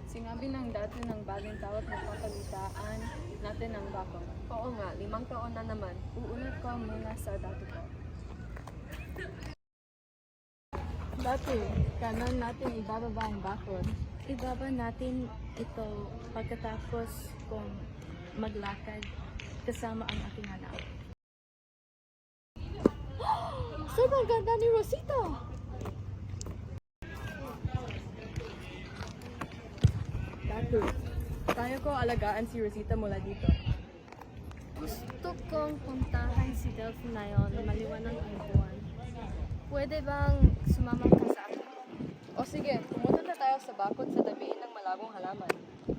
Sinabi ng dati ng bagong tawag na papalitaan natin ang bakong. Oo nga, 5 taon na naman. Uulit ko muna sa dati ko. Dati, kanan natin ibababa ang bakod. Ibaba natin ito pagkatapos kong maglakad kasama ang aking anak. Sobrang ganda ni Rosita! Datu, tayo ko alagaan si Rosita mula dito. Gusto kong puntahan si Delphi na yon maliwanag ang buwan. Pwede bang sumama ka sa akin? O sige, pumunta na tayo sa bakod sa tabi ng malabong halaman.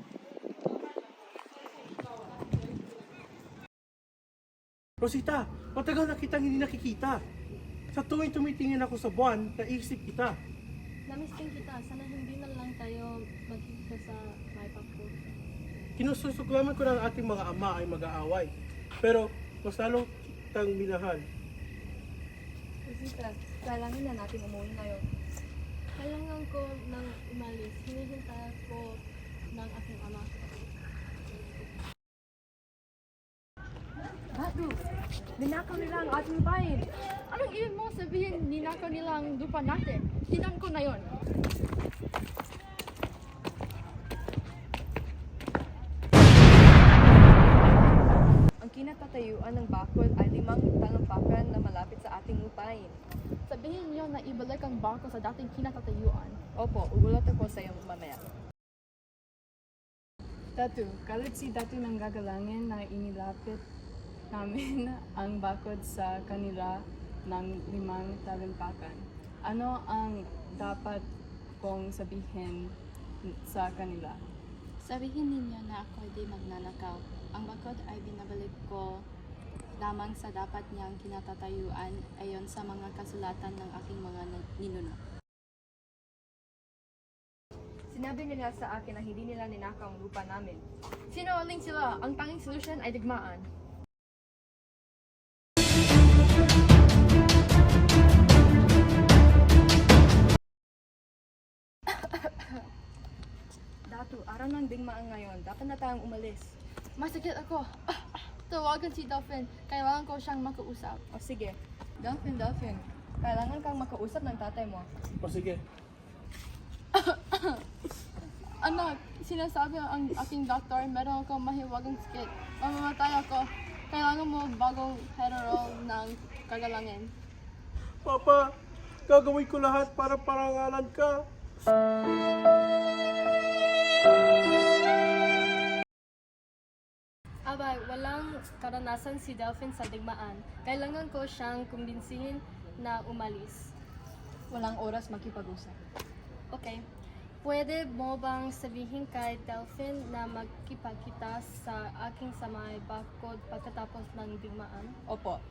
Rosita, matagal na kitang hindi nakikita. Sa tuwing tumitingin ako sa buwan, naisip kita. Namiss din kita. Sana hindi na lang tayo magkikita sa may pakpo. Kinususuklaman ko na ang ating mga ama ay mag-aaway. Pero mas lalo kitang minahal. Rosita, kailangan na natin umuwi ngayon. Kailangan ko nang umalis. Hinihintay ko ng aking ama. Datu, ninakaw nila ang ating bayan. Anong ibig mo sabihin ninakaw nila ang lupa natin? Tinan ko na yon. Ang kinatatayuan ng bakod ay 5 talampakan na malapit sa ating lupain. Sabihin niyo na ibalik ang bangko sa dating kinatatayuan. Opo, ugulat ako sa iyo mamaya. Datu, kalit si Datu ng gagalangin na inilapit namin ang bakod sa kanila ng 5 talampakan. Ano ang dapat kong sabihin sa kanila? Sabihin ninyo na ako di magnanakaw. Ang bakod ay binabalik ko lamang sa dapat niyang kinatatayuan ayon sa mga kasulatan ng aking mga ninuno. Sinabi nila sa akin na hindi nila ninakaw ang lupa namin. Sinungaling sila. Ang tanging solusyon ay digmaan. Datu, araw ng digmaan ngayon. Dapat na tayong umalis. Masakit ako. Tawagan si Dolphin. Kailangan ko siyang makausap. O sige. Dolphin, kailangan kang makausap ng tatay mo. O sige, Anak, sinasabi ang aking doktor, meron akong mahiwagang sakit. Mamamatay ako. Kailangan mo bagong heterol ng kagalangin. Papa, gagawin ko lahat para parangalan ka. Abay, walang karanasan si Delphin sa digmaan. Kailangan ko siyang kumbinsihin na umalis. Walang oras makipag-usap. Okay. Pwede mo bang sabihin kay Delphin na magkipagkita sa aking sa may bakod pagkatapos ng digmaan? Opo.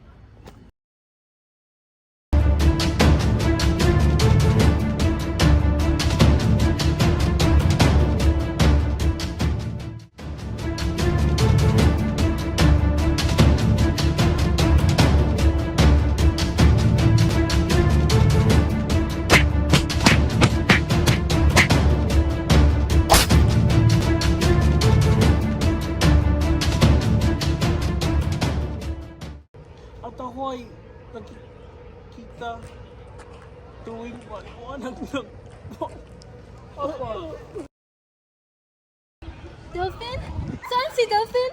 At ako ay nakikita tuwing maliwanag ng buwan. Opo. Delphin? Saan si Delphin?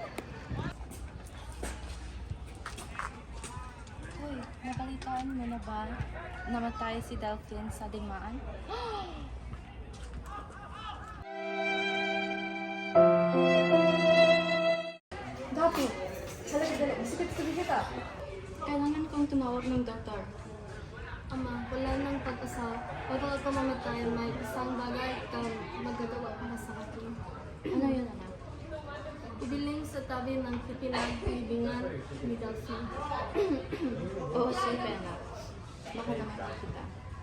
Uy, nabalitaan mo na ba namatay si Delphin sa digmaan? Datu, dali. Masakit sa kita. Kailangan kong tumawag ng doktor. Ama, wala nang pag-asa. Huwag ako mamatay. May isang bagay kang magagawa para sa akin. Ano yun, anak? Idiling sa tabi ng pinag-ibingan ni Delphin. Oo, sige anak. Baka naman kita.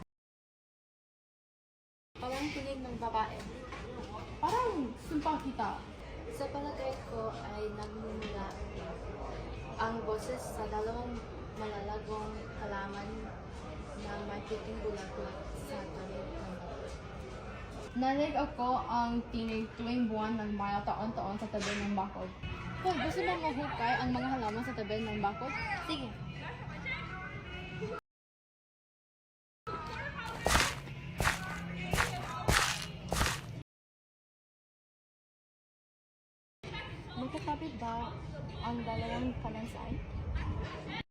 Parang tinig ng babae. Parang sumpang kita. Sa palagay ko ay nagmumula ang boses sa dalawang malalagong halaman na may puting bulaklak sa tabi ng bakod. Nalig ako ang tinig tuwing buwan ng Mayo taon-taon sa tabi ng bakod. Hoy, gusto mo mahukay ang mga halaman sa tabi ng bakod? Sige. Magkakapit ba ang dalawang kalansay?